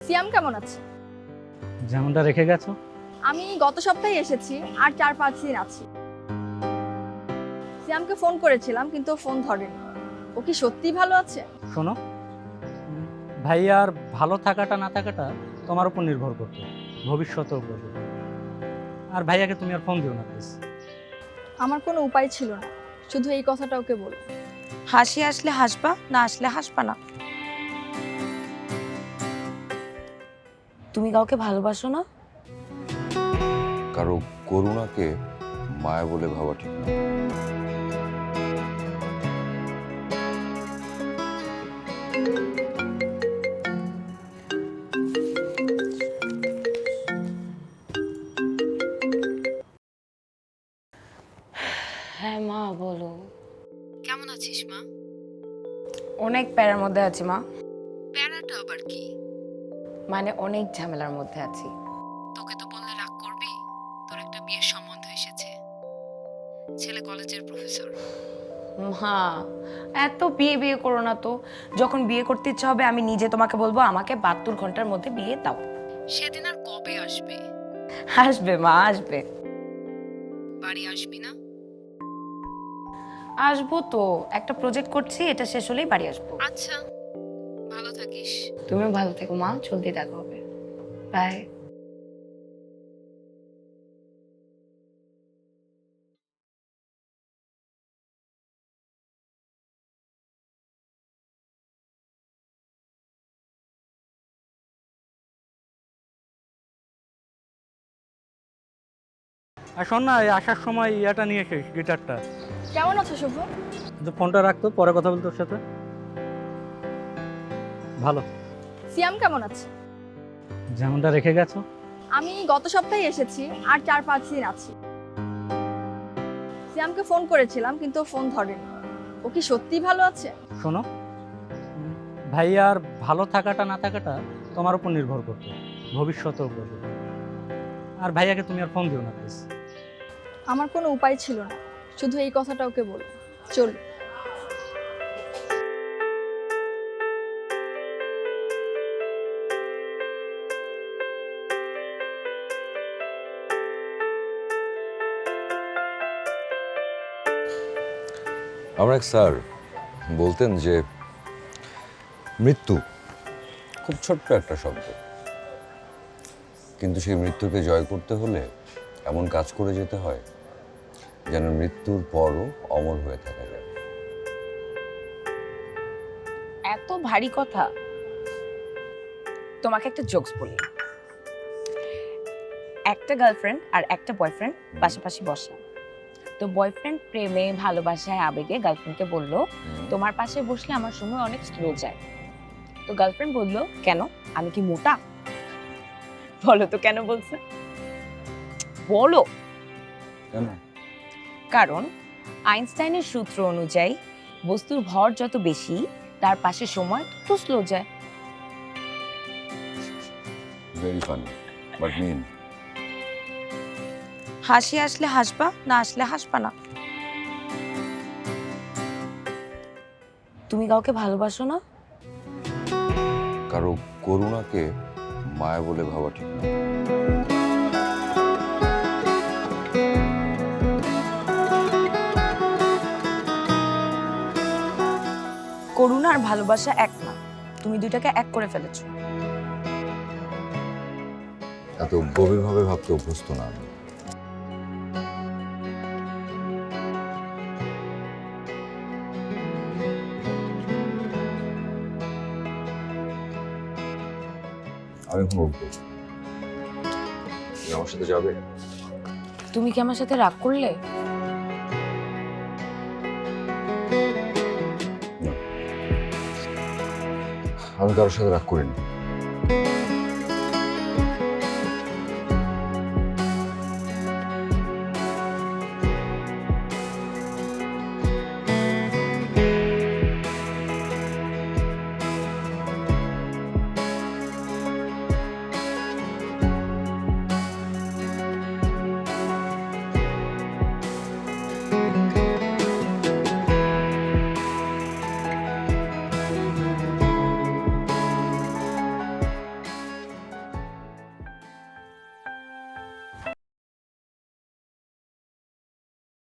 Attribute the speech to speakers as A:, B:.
A: সিয়াম কেমন আছে?
B: যেমনটা রেখে গেছো।
A: আমি গত সপ্তাহে এসেছি, আর 4-5 দিন আছি। সিয়ামকে ফোন করেছিলাম কিন্তু ও ফোন ধরেনি। ও কি সত্যিই ভালো আছে?
B: শোনো, ভাইয়ার ভালো থাকাটা না থাকাটা তোমার উপর নির্ভর করতো, ভবিষ্যতের উপর। আর ভাইয়াকে তুমি আর ফোন দিও না প্লিজ।
A: আমার কোনো উপায় ছিল না, শুধু এই কথাটা ওকে বল।
C: হাসি আসলে হাসবা, না আসলে হাসবা না। তুমি কাউকে ভালোবাসো না?
D: কারো করুণাকে মায়া বলে ভাবা ঠিক না।
C: হ্যাঁ মা, বলো।
E: কেমন আছিস মা?
C: অনেক প্যারার মধ্যে আছি মা।
E: প্যারাটা আবার কি?
C: মানে অনেক ঝামেলার মধ্যে আছি।
E: তোকে তো বললে রাগ করবি। তোর একটা বিয়ের সম্বন্ধ এসেছে, ছেলে কলেজের প্রফেসর।
C: মা, এত বিয়ে বিয়ে করো না তো। যখন বিয়ে করতে ইচ্ছা হবে আমি নিজে তোমাকে বলবো আমাকে 72 ঘন্টার মধ্যে বিয়ে দাও।
E: সেদিন আর কবে আসবে?
C: আসবে মা, আসবে।
E: বাড়ি আসবি না?
C: আসবো তো, একটা প্রজেক্ট করছি, এটা শেষ হলেই বাড়ি আসবো।
E: আচ্ছা, ভালো থাকিস।
C: তুমিও ভালো থেকো মা, জলদি দেখা হবে। বাই।
B: আর শোন না, এই আসার সময় ইয়াটা নিয়ে এসে গিটারটা।
A: কেমন আছো শুভ?
B: কিন্তু ফোনটা রাখতো, পরে কথা বলতো ওর সাথে। ভালো।
A: সিয়াম কেমন আছে?
B: যেমনটা রেখে গেছো।
A: আমি গত সপ্তাহে এসেছি, আর 4-5 দিন আছি। সিয়ামকে ফোন করেছিলাম কিন্তু ও ফোন ধরেনি। ও কি সত্যিই ভালো আছে?
B: শোনো, ভাইয়ার ভালো থাকাটা না থাকাটা তোমার উপর নির্ভর করতো, ভবিষ্যতের উপর। আর ভাইয়াকে তুমি আর ফোন দিও না প্লিজ।
A: আমার কোনো উপায় ছিল না, শুধু এই কথাটা ওকে বল। চল।
D: আমার এক স্যার বলতেন যে মৃত্যু খুব ছোট্ট একটা শব্দ, কিন্তু সেই মৃত্যুকে জয় করতে হলে এমন কাজ করে যেতে হয় যেন মৃত্যুর পরও অমর হয়ে থাকা যায়।
C: এত ভারী কথা। তোমাকে একটা জোকস বলি। একটা গার্লফ্রেন্ড আর একটা বয়ফ্রেন্ড পাশাপাশি বসা। তো বয়ফ্রেন্ড প্রেমে ভালোবাসায় আবেগে গার্লফ্রেন্ডকে বলল, তোমার পাশে বসলে আমার সময় অনেক স্লো যায়। তো গার্লফ্রেন্ড বলল, কেন, আমি কি মোটা? বলো তো কেন বলছে? বলো।
D: কেন?
C: কারণ আইনস্টাইনের সূত্র অনুযায়ী বস্তুর ভর যত বেশি তার পাশে সময় তত স্লো যায়।
D: Very funny but mean.
C: হাসি আসলে হাসবা, না আসলে হাসবা না। তুমি কাউকে ভালোবাসো না?
D: কারো করুণাকে মায়া বলে ভাবা ঠিক না।
C: করুণা আর ভালোবাসা এক না, তুমি দুইটাকে এক করে ফেলেছো।
D: এত গভীরভাবে ভাবতে অভ্যস্ত না আমি। আমি এখন উঠবো, তুমি আমার সাথে যাবে?
C: তুমি কি আমার সাথে রাগ করলে?
D: আমি কারোর সাথে রাগ করিনি।